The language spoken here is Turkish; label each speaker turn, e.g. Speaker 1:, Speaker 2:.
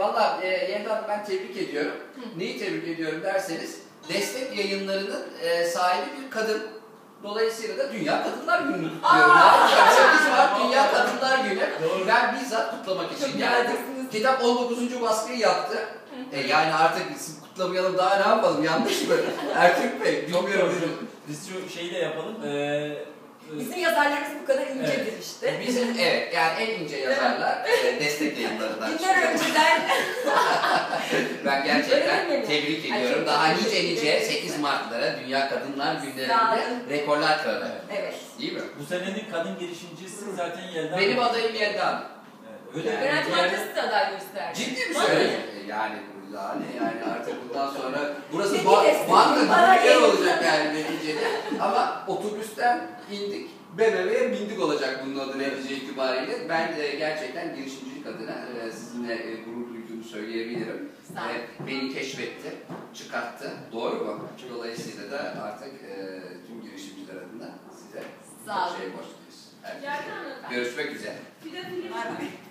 Speaker 1: Valla Yelda ben tebrik ediyorum. Neyi tebrik ediyorum derseniz, Destek Yayınları'nın sahibi bir kadın. Dolayısıyla da Dünya Kadınlar Günü'nü kutluyorum. 8 Mart Dünya Kadınlar Günü. Ben bizzat kutlamak için geldim. Kitap 19. baskıyı yaptı. Yani artık biz kutlamayalım, daha ne yapalım, yanlış mı? Ertürk Bey, bilmiyorum.
Speaker 2: Biz şu şeyi de yapalım.
Speaker 3: Bizim yazarlarımız bu kadar incedir
Speaker 2: evet.
Speaker 3: işte.
Speaker 1: Bizim yani en ince yazarlar Destek Yayınları'ndan çıkıyor.
Speaker 3: Günler önceden.
Speaker 1: Ben gerçekten tebrik ediyorum. Daha nice 8 Mart'lara, Dünya Kadınlar Günleri'nde rekorlar kırdı.
Speaker 3: Evet.
Speaker 1: Değil mi?
Speaker 2: Bu senenin kadın girişimcisi zaten Yelda.
Speaker 1: Benim adayım Yelda.
Speaker 2: Öyle mi?
Speaker 3: Garanti Bankası da aday gösterdi.
Speaker 1: Ciddi mi söylüyorsun? Yani artık bundan sonra burası
Speaker 3: Seni
Speaker 1: banka gibi
Speaker 3: bana
Speaker 1: bir yer
Speaker 3: gelin.
Speaker 1: olacak yani neticede. Ama otobüsten indik, BMW'ye bindik olacak bunun adı netice itibariyle. Ben gerçekten girişimcilik adına sizinle gurur duyduğumu söyleyebilirim. Beni keşfetti, çıkarttı. Doğru mu? Dolayısıyla da artık tüm girişimciler adına size çok şey borçluyuz. Görüşmek üzere.